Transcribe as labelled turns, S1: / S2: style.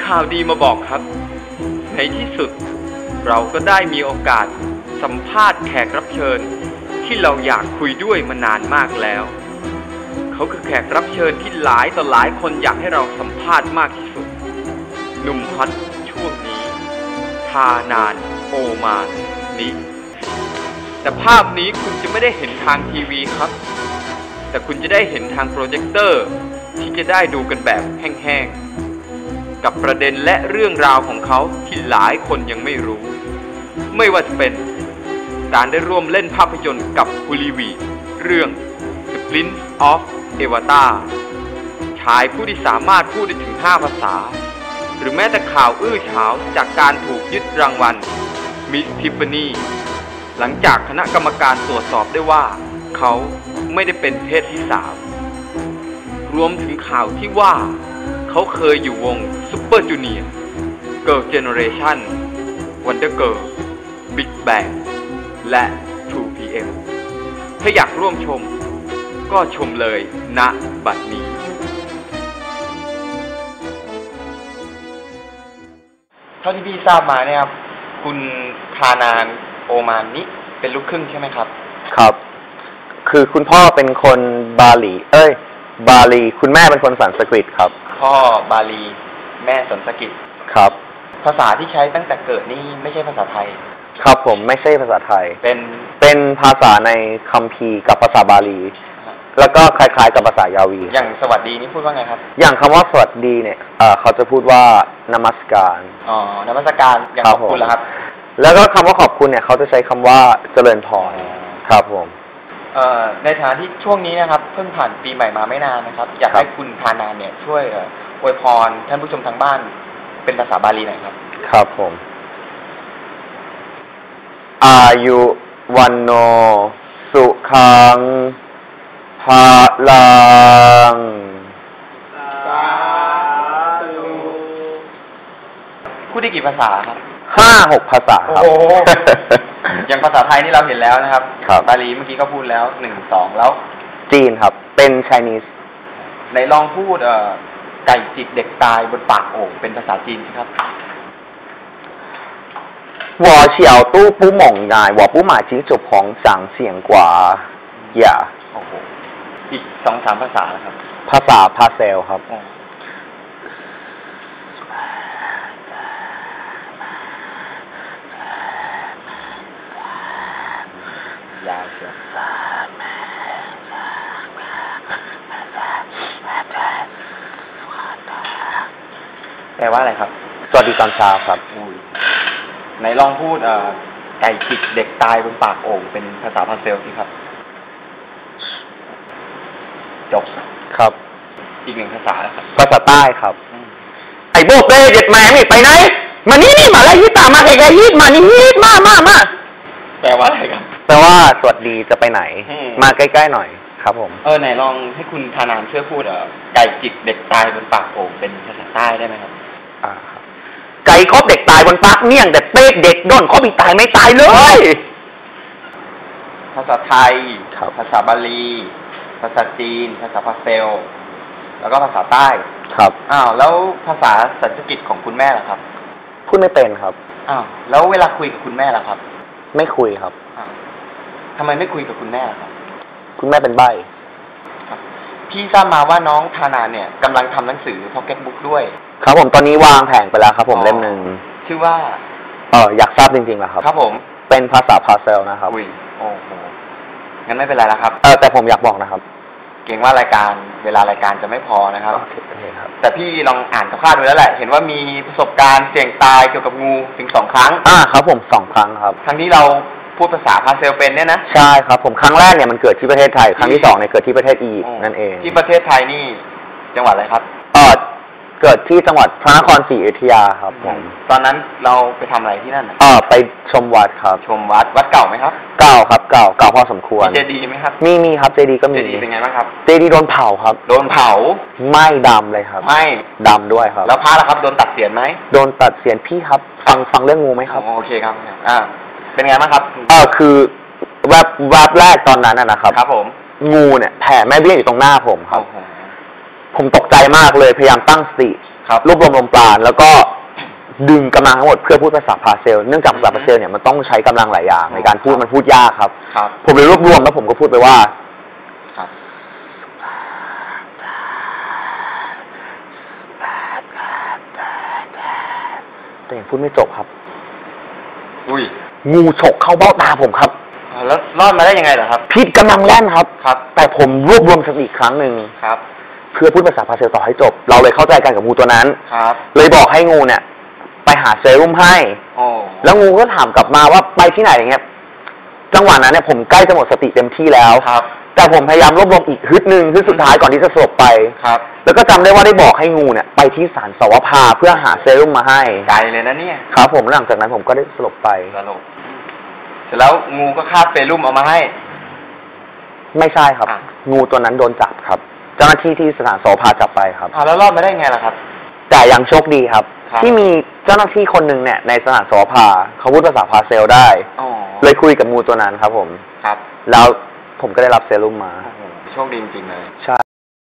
S1: ข่าวดีมาบอกครับในที่สุดเราก็ได้มีโอกาสสัมภาษณ์แขกรับเชิญที่เราอยากคุยด้วยมานานมากแล้วเขาคือแขกรับเชิญที่หลายต่อหลายคนอยากให้เราสัมภาษณ์มากที่สุดหนุ่มฮอตช่วงนี้ทานานโอมานนี้แต่ภาพนี้คุณจะไม่ได้เห็นทางทีวีครับแต่คุณจะได้เห็นทางโปรเจคเตอร์ที่จะได้ดูกันแบบแห้งๆกับประเด็นและเรื่องราวของเขาที่หลายคนยังไม่รู้ไม่ว่าจะเป็นการได้ร่วมเล่นภาพยนตร์กับฮูลีวีเรื่อง The Prince of Avatar ชายผู้ที่สามารถพูดได้ถึง5 ภาษาหรือแม้แต่ข่าวอื้อฉาวจากการถูกยึดรางวัล Miss Tiffany หลังจากคณะกรรมการตรวจสอบได้ว่าเขาไม่ได้เป็นเพศที่3รวมถึงข่าวที่ว่าเขาเคยอยู่วง Super Junior Girl Generation Wonder Girl Big Bang และ 2PM ถ้าอยากร่วมชมก็ชมเลยณบัดนี้เท่าที่พี่ทราบมาเนี่ยครับคุณคานานโอมานนี้เป็นลูกครึ่งใช่ไหมครับ
S2: ครับคือคุณพ่อเป็นคนบาหลีบาหลีคุณแม่เป็นคนสันสกฤตครับ
S1: พ่อบาหลีแม่สันสกฤต
S2: ครับ
S1: ภาษาที่ใช้ตั้งแต่เกิดนี่ไม่ใช่ภาษาไทย
S2: ครับผมไม่ใช่ภาษาไทยเป็นภาษาในคัมภีร์กับภาษาบาหลีแล้วก็คล้ายๆกับภาษายาวี
S1: อย่างสวัสดีนี่พูดว่าไงครับ
S2: อย่างคำว่าสวัสดีเนี่ยเขาจะพูดว่านมัสการ
S1: นมัสการอย่างขอบคุณแล้วครับ
S2: แล้วก็คำว่าขอบคุณเนี่ยเขาจะใช้คำว่าเจริญพรครับผม
S1: ในฐานะที่ช่วงนี้นะครับเพิ่งผ่านปีใหม่มาไม่นานนะครับอยากให้คุณทานานเนี่ยช่วยอวยพรท่านผู้ชมทางบ้านเป็นภาษาบาลีหน่อยครับ
S2: ครับผมอายุวันโนสุขังภาลัง
S1: พูดได้กี่ภาษาครับ
S2: 5-6 ภาษาครับ
S1: อย่างภาษาไทยนี่เราเห็นแล้วนะครับบาลีเมื่อกี้ก็พูดแล้ว1-2แล้ว
S2: จีนครับเป็น Chinese
S1: ไหนลองพูดไก่จิกเด็กตายบนปากโอ่งเป็นภาษาจีนสิครับ
S2: 我小都不猛爱我不买金主棚长显กว่าอย่า
S1: โอ้โหอีก2-3 ภาษานะครับ
S2: ภาษาพาเซลครับ
S1: ยาวเชียวแปลว่าอะไรครับ
S2: สวัสดีตอนเช้าครับ
S1: ไหนลองพูดไก่จิกเด็กตายบนปากโอ่งเป็นภาษาพาเซลสิครับจบ
S2: ครับ
S1: อีก1 ภาษาครับ
S2: ภาษาใต้ครับไอ้โบกเบ้เด็ดแม่ไม่ไปไหนมานี่มาแล้วยี่ตามาไกลๆยี่มานี่ยี่มา
S1: แปลว่าอะไรครับ
S2: แปลว่าสวัสดีจะไปไหนมาใกล้ๆหน่อยครับผม
S1: ไหนลองให้คุณธานามช่วยพูดไก่จิกเด็กตายบนปากโอ่งเป็นภาษาใต้ได้ไหมครับ
S2: ไก่ครอบเด็กตายบนปากเมี่ยงแต่เป๊กเด็กด้นครอบอีกตายไม่ตายเลย
S1: ภาษาไทยภาษาบาลีภาษาจีนภาษาพาเซลแล้วก็ภาษาใต้
S2: ครับ
S1: แล้วภาษาสันสกฤตของคุณแม่ล่ะครับ
S2: พูดไม่เป็นครับ
S1: แล้วเวลาคุยกับคุณแม่ล่ะครับ
S2: ไม่คุยครับ
S1: ทำไมไม่คุยกับคุณแม่ล่ะครับ
S2: คุณแม่เป็นใบ้
S1: พี่ทราบมาว่าน้องธานาเนี่ยกำลังทำหนังสือ Pocket Book ด้วย
S2: ครับผมตอนนี้วางแผงไปแล้วครับผมเล่มหนึ่ง
S1: ชื่อว่า
S2: อยากทราบจริงๆเหรอครับ
S1: ครับผม
S2: เป็นภาษาพาเซลนะครับ
S1: โอ้โหงั้นไม่เป็นไรแล้วครับ
S2: แต่ผมอยากบอกนะครับ
S1: เกรงว่ารายการเวลารายการจะไม่พอนะครับแต่พี่ลองอ่านคร่าวๆดูแล้วแหละเห็นว่ามีประสบการณ์เสี่ยงตายเกี่ยวกับงูถึง2 ครั้ง
S2: ครับผม2 ครั้งครับ
S1: ครั้งที่เราพูดภาษาพาเซลเป็นเนี่ยนะ
S2: ใช่ครับผมครั้งแรกเนี่ยมันเกิดที่ประเทศไทยครั้งที่2เนี่ยเกิดที่ประเทศอียิปต์นั่นเอง
S1: ที่ประเทศไทยนี่จังหวัดอะไรครับ
S2: เกิดที่จังหวัดพระนครศรีอยุธยาครับผม
S1: ตอนนั้นเราไปทำอะไรที่นั่น
S2: ไปชมวัดครับ
S1: ชมวัดเก่าไหมครับ
S2: เก่าครับเก่าพอสมควร
S1: เจดีย์ไหมครับ
S2: มีครับเจดีย์ก็มี
S1: เจดีย์เป็นไงบ้างครับ
S2: เจดีย์โดนเผาครับ
S1: โดนเผา
S2: ไม่ดำเลยครับ
S1: ไม่
S2: ดำด้วยครับ
S1: แล้วพระล่ะครับโดนตัดเศียรไหม
S2: โดนตัดเศียรพี่ครับฟังเรื่องงูไหมครับ
S1: โอเคครับเป็นไงบ้างครับ
S2: คือแวบแรกตอนนั้นนะครับ
S1: ครับผม
S2: งูเนี่ยแผ่แม่เบี้ยอยู่ตรงหน้าผมครับผมตกใจมากเลยพยายามตั้งสติ
S1: ครับ
S2: รวบรวมลมปราณแล้วก็ดึงกำลังทั้งหมดเพื่อพูดภาษาพาเซลเนื่องจากภาษาพาเซลเนี่ยมันต้องใช้กำลังหลายอย่างในการพูดมันพูดยากครับ
S1: ครับ
S2: ผมเลยรวบรวมแล้วผมก็พูดไปว่า
S1: ครับ
S2: แต่ยังพูดไม่จบครับ
S1: อุ้ย
S2: งูฉกเข้าเบ้าตาผมครับ
S1: แล้วรอดมาได้ยังไงเหรอครับ
S2: พิษกำลังแล่นครับ
S1: ครับ
S2: แต่ผมรวบรวมสติอีกครั้งหนึ่ง
S1: ครับ
S2: เพื่อพูดภาษาพาเซลต่อให้จบ เราเลยเข้าใจกันกับงูตัวนั้น
S1: ครับ
S2: เลยบอกให้งูเนี่ย ไปหาเซรุ่มให้
S1: โอ้
S2: แล้วงูก็ถามกลับมาว่าไปที่ไหนอย่างเงี้ย จังหวะนั้นเนี่ยผมใกล้จะหมดสติเต็มที่แล้ว
S1: ครับ
S2: แต่ผมพยายามรวบรวมอีกฮึดหนึ่งฮึดสุดท้ายก่อนที่จะสลบไป
S1: ครับ
S2: แล้วก็จำได้ว่าได้บอกให้งูเนี่ยไปที่ศาลสวภาเพื่อหาเซรุ่มมาให้
S1: ไกลเลยนะเนี่ย
S2: ครับผมหลังจากนั้นผมก็ได้สลบไป
S1: สรุปเสร็จแล้วงูก็คาบเซรุ่มเอามาให้
S2: ไม่ใช่ครับ
S1: อ่ะ
S2: งูตัวนั้นโดนจับครับ เจ้าหน้าที่ที่สถานสวภาจับไปครับ
S1: แล้วรอดมาได้ไงล่ะครับ
S2: แต่ยังโชคดีครับ
S1: ครับ
S2: ที่มีเจ้าหน้าที่คนหนึ่งเนี่ยในสถานสวภาเขาพูดภาษาพาเซลได้
S1: อ๋อ
S2: เลยคุยกับงูตัวนั้นครับผม
S1: ครับ
S2: แล้วผมก็ได้รับเซรุ่มมา
S1: โอ้โหโชคดีจริงๆเลย
S2: ใช่